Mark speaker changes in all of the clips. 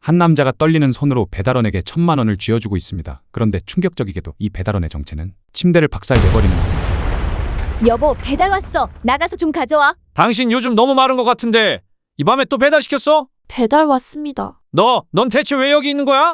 Speaker 1: 한 남자가 떨리는 손으로 배달원에게 1,000만 원을 쥐어주고 있습니다. 그런데 충격적이게도 이 배달원의 정체는 침대를 박살내버리는 아내.
Speaker 2: 여보, 배달 왔어. 나가서 좀 가져와.
Speaker 3: 당신 요즘 너무 마른 것 같은데 이 밤에 또 배달시켰어?
Speaker 4: 배달 왔습니다.
Speaker 3: 넌 대체 왜 여기 있는 거야?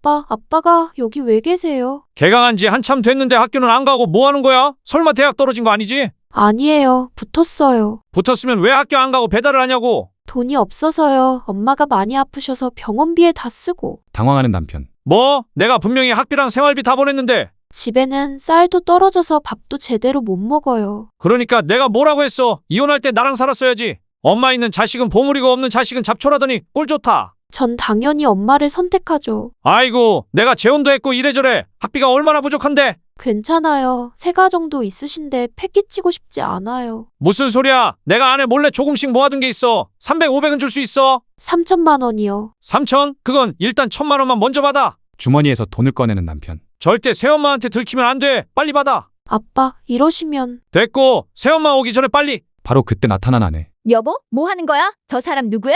Speaker 4: 아빠가 여기 왜 계세요?
Speaker 3: 개강한 지 한참 됐는데 학교는 안 가고 뭐 하는 거야? 설마 대학 떨어진 거 아니지?
Speaker 4: 아니에요. 붙었어요.
Speaker 3: 붙었으면 왜 학교 안 가고 배달을 하냐고.
Speaker 4: 돈이 없어서요. 엄마가 많이 아프셔서 병원비에 다 쓰고.
Speaker 1: 당황하는 남편.
Speaker 3: 뭐? 내가 분명히 학비랑 생활비 다 보냈는데.
Speaker 4: 집에는 쌀도 떨어져서 밥도 제대로 못 먹어요.
Speaker 3: 그러니까 내가 뭐라고 했어? 이혼할 때 나랑 살았어야지. 엄마 있는 자식은 보물이고 없는 자식은 잡초라더니 꼴 좋다.
Speaker 4: 전 당연히 엄마를 선택하죠.
Speaker 3: 아이고, 내가 재혼도 했고 이래저래 학비가 얼마나 부족한데.
Speaker 4: 괜찮아요. 세 가정도 있으신데 패 끼치고 싶지 않아요.
Speaker 3: 무슨 소리야? 내가 안에 몰래 조금씩 모아둔 게 있어. 300, 500은 줄 수 있어.
Speaker 4: 3천만 원이요.
Speaker 3: 3천? 그건 일단 1,000만 원만 먼저 받아.
Speaker 1: 주머니에서 돈을 꺼내는 남편.
Speaker 3: 절대 새엄마한테 들키면 안 돼. 빨리 받아.
Speaker 4: 아빠, 이러시면.
Speaker 3: 됐고, 새엄마 오기 전에 빨리.
Speaker 1: 바로 그때 나타난 아내.
Speaker 2: 여보, 뭐 하는 거야? 저 사람 누구야?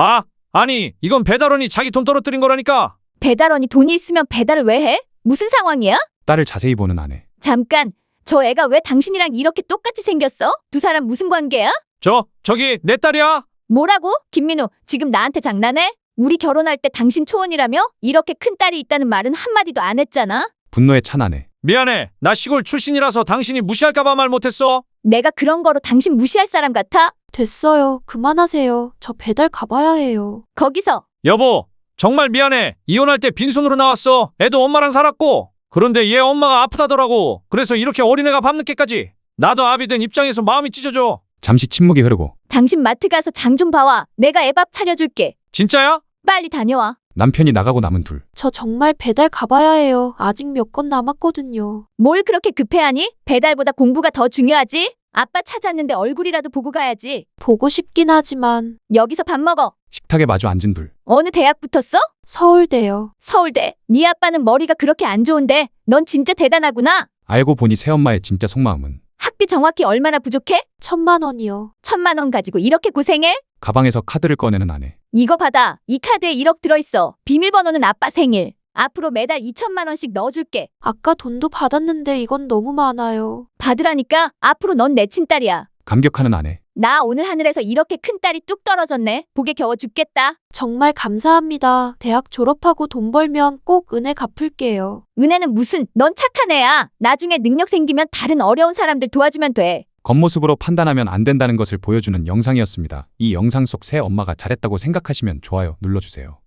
Speaker 3: 아니, 이건 배달원이 자기 돈 떨어뜨린 거라니까.
Speaker 2: 배달원이 돈이 있으면 배달을 왜 해? 무슨 상황이야?
Speaker 1: 딸을 자세히 보는 아내.
Speaker 2: 잠깐, 저 애가 왜 당신이랑 이렇게 똑같이 생겼어? 두 사람 무슨 관계야?
Speaker 3: 저기 내 딸이야.
Speaker 2: 뭐라고? 김민우, 지금 나한테 장난해? 우리 결혼할 때 당신 초혼이라며? 이렇게 큰 딸이 있다는 말은 한마디도 안 했잖아?
Speaker 1: 분노에 찬 아내.
Speaker 3: 미안해. 나 시골 출신이라서 당신이 무시할까봐 말 못했어.
Speaker 2: 내가 그런 거로 당신 무시할 사람 같아?
Speaker 4: 됐어요. 그만하세요. 저 배달 가봐야 해요.
Speaker 2: 거기서.
Speaker 3: 여보, 정말 미안해. 이혼할 때 빈손으로 나왔어. 애도 엄마랑 살았고. 그런데 얘 엄마가 아프다더라고. 그래서 이렇게 어린애가 밤늦게까지. 나도 아비 된 입장에서 마음이 찢어져.
Speaker 1: 잠시 침묵이 흐르고.
Speaker 2: 당신 마트 가서 장 좀 봐와. 내가 애 밥 차려줄게.
Speaker 3: 진짜야?
Speaker 2: 빨리 다녀와.
Speaker 1: 남편이 나가고 남은 둘.
Speaker 4: 저 정말 배달 가봐야 해요. 아직 몇 건 남았거든요.
Speaker 2: 뭘 그렇게 급해하니? 배달보다 공부가 더 중요하지? 아빠 찾았는데 얼굴이라도 보고 가야지.
Speaker 4: 보고 싶긴 하지만.
Speaker 2: 여기서 밥 먹어.
Speaker 1: 식탁에 마주 앉은 둘.
Speaker 2: 어느 대학 붙었어?
Speaker 4: 서울대요.
Speaker 2: 서울대. 네 아빠는 머리가 그렇게 안 좋은데 넌 진짜 대단하구나.
Speaker 1: 알고 보니 새엄마의 진짜 속마음은.
Speaker 2: 학비 정확히 얼마나 부족해?
Speaker 4: 1,000만 원이요.
Speaker 2: 1,000만 원 가지고 이렇게 고생해?
Speaker 1: 가방에서 카드를 꺼내는 아내.
Speaker 2: 이거 받아. 이 카드에 1억 들어있어. 비밀번호는 아빠 생일. 앞으로 매달 2,000만 원씩 넣어줄게.
Speaker 4: 아까 돈도 받았는데 이건 너무 많아요.
Speaker 2: 받으라니까. 앞으로 넌 내 친딸이야.
Speaker 1: 감격하는 아내.
Speaker 2: 나 오늘 하늘에서 이렇게 큰 딸이 뚝 떨어졌네. 복에 겨워 죽겠다.
Speaker 4: 정말 감사합니다. 대학 졸업하고 돈 벌면 꼭 은혜 갚을게요.
Speaker 2: 은혜는 무슨, 넌 착한 애야. 나중에 능력 생기면 다른 어려운 사람들 도와주면 돼.
Speaker 1: 겉모습으로 판단하면 안 된다는 것을 보여주는 영상이었습니다. 이 영상 속 새 엄마가 잘했다고 생각하시면 좋아요 눌러주세요.